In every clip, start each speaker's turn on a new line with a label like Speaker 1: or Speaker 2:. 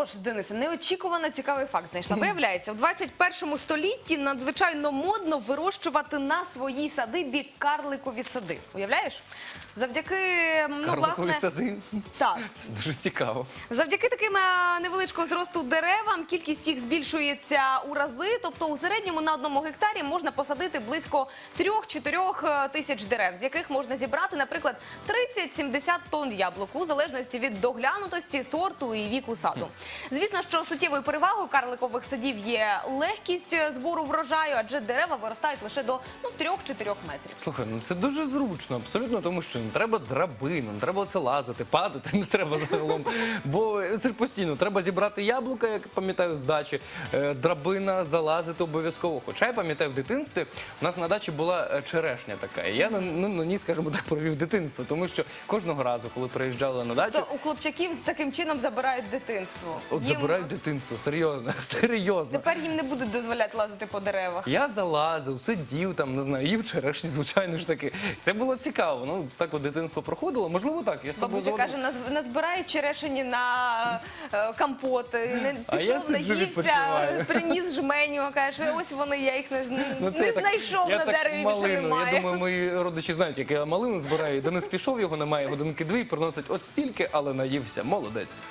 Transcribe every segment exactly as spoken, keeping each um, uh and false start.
Speaker 1: що ж, Денисе, неочікувано цікавий факт знайшла. Виявляється, в двадцять першому столітті надзвичайно модно вирощувати на своїй садибі карликові сади. Уявляєш? Завдяки, ну,
Speaker 2: Карликові
Speaker 1: власне...
Speaker 2: сади?
Speaker 1: Так.
Speaker 2: Це дуже цікаво.
Speaker 1: Завдяки таким е, невеличкого зросту деревам кількість їх збільшується у рази. Тобто у середньому на одному гектарі можна посадити близько трьох-чотирьох тисяч дерев, з яких можна зібрати, наприклад, тридцять-сімдесят тонн яблук, у залежності від доглянутості, сорту і віку саду. Звісно, що суттєвою перевагою карликових садів є легкість збору врожаю, адже дерева виростають лише до ну, трьох-чотирьох метрів.
Speaker 2: Слухай, ну це дуже зручно, абсолютно, тому що не треба драбину, не треба оце лазити, падати не треба загалом. Бо це ж постійно, треба зібрати яблука, як пам'ятаю, з дачі, е, драбина, залазити обов'язково. Хоча я пам'ятаю, в дитинстві у нас на дачі була е, черешня така. І я на, ну, на ній, скажімо так, провів дитинство, тому що кожного разу, коли приїжджали на дачу...
Speaker 1: То у хлопчаків таким чином забирають дитинство.
Speaker 2: От
Speaker 1: Їм-
Speaker 2: забирають дитинство, серйозно, серйозно.
Speaker 1: Тепер їм не будуть дозволяти лазити по деревах.
Speaker 2: Я залазив, сидів там, не знаю, їв черешні, звичайно ж таки. Це було цікаво. Ну, так от дитинство проходило. Можливо, так. Я з тобою
Speaker 1: Бабуся
Speaker 2: згоден.
Speaker 1: каже, наз- назбирає черешені на е, компоти, не
Speaker 2: А я
Speaker 1: пішов,
Speaker 2: сиджу,
Speaker 1: наївся,
Speaker 2: відпочиваю.
Speaker 1: приніс жменю, каже, ось вони, я їх не, з-
Speaker 2: Ну, це
Speaker 1: не
Speaker 2: я так-
Speaker 1: знайшов
Speaker 2: я
Speaker 1: на
Speaker 2: так
Speaker 1: дереві, більше
Speaker 2: малину.
Speaker 1: немає.
Speaker 2: Я думаю, мої родичі знають, як я малину збираю. Денис пішов, його немає, годинки-дві, приносить от стільки, але наївся. Молодець.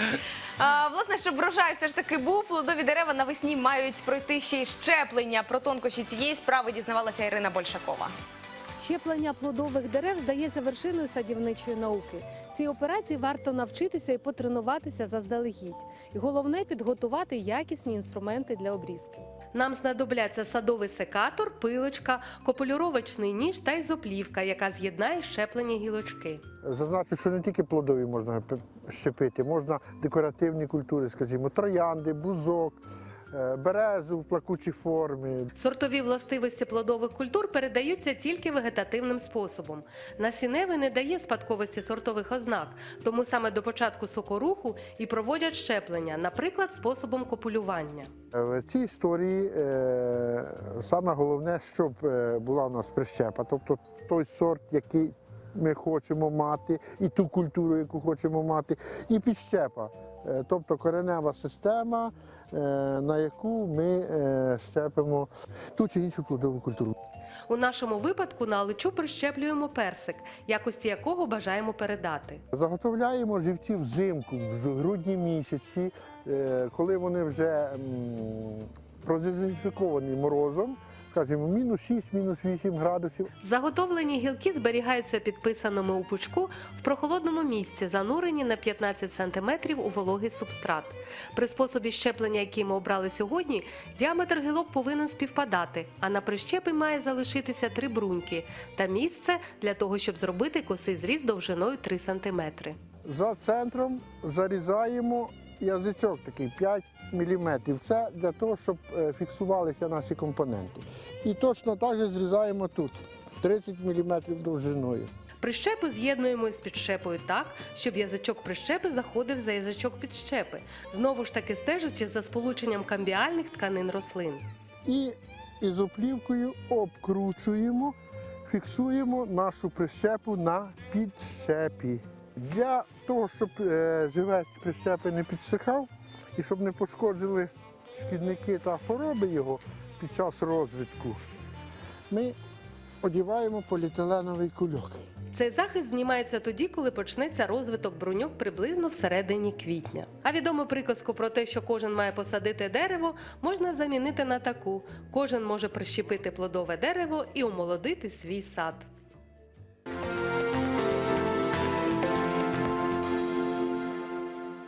Speaker 1: А, власне, щоб врожай все ж таки був, плодові дерева навесні мають пройти ще й щеплення. Про тонкощі цієї справи дізнавалася Ірина Большакова.
Speaker 3: Щеплення плодових дерев здається вершиною садівничої науки. Цій операції варто навчитися і потренуватися заздалегідь. І головне – підготувати якісні інструменти для обрізки. Нам знадобляться садовий секатор, пилочка, копулюровочний ніж та ізоплівка, яка з'єднає щеплені гілочки.
Speaker 4: Зазначу, що не тільки плодові можна п- щепити, можна декоративні культури, скажімо, троянди, бузок, е, березу в плакучій формі.
Speaker 3: Сортові властивості плодових культур передаються тільки вегетативним способом. Насінневий не дає спадковості сортових ознак, тому саме до початку сокоруху і проводять щеплення, наприклад, способом копулювання.
Speaker 4: Е, В цій історії е, саме головне, щоб е, була у нас прищепа, тобто той сорт, який ми хочемо мати, і ту культуру, яку хочемо мати, і підщепа, е, тобто коренева система, е, на яку ми е, щепимо ту чи іншу плодову культуру.
Speaker 3: У нашому випадку на аличу прищеплюємо персик, якості якого бажаємо передати.
Speaker 4: Заготовляємо живці взимку, в грудні місяці, е, коли вони вже м, продезінфіковані морозом, скажімо, мінус шість, мінус вісім градусів.
Speaker 3: Заготовлені гілки зберігаються підписаними у пучку в прохолодному місці, занурені на п'ятнадцять сантиметрів у вологий субстрат. При способі щеплення, який ми обрали сьогодні, діаметр гілок повинен співпадати, а на прищепі має залишитися три бруньки та місце для того, щоб зробити косий зріз довжиною три сантиметри.
Speaker 4: За центром зарізаємо язичок такий п'ять міліметрів. Це для того, щоб е, фіксувалися наші компоненти. І точно так же зрізаємо тут тридцять міліметрів довжиною.
Speaker 3: Прищепу з'єднуємо із підщепою так, щоб язичок прищепи заходив за язичок підщепи, знову ж таки стежачи за сполученням камбіальних тканин рослин.
Speaker 4: І ізоплівкою обкручуємо, фіксуємо нашу прищепу на підщепі. Для того, щоб е, живець прищепи не підсихав і щоб не пошкоджили шкідники та хвороби його під час розвитку, ми одіваємо поліетиленовий кульок.
Speaker 3: Цей захист знімається тоді, коли почнеться розвиток бруньок приблизно всередині квітня. А відому приказку про те, що кожен має посадити дерево, можна замінити на таку: кожен може прищепити плодове дерево і омолодити свій сад.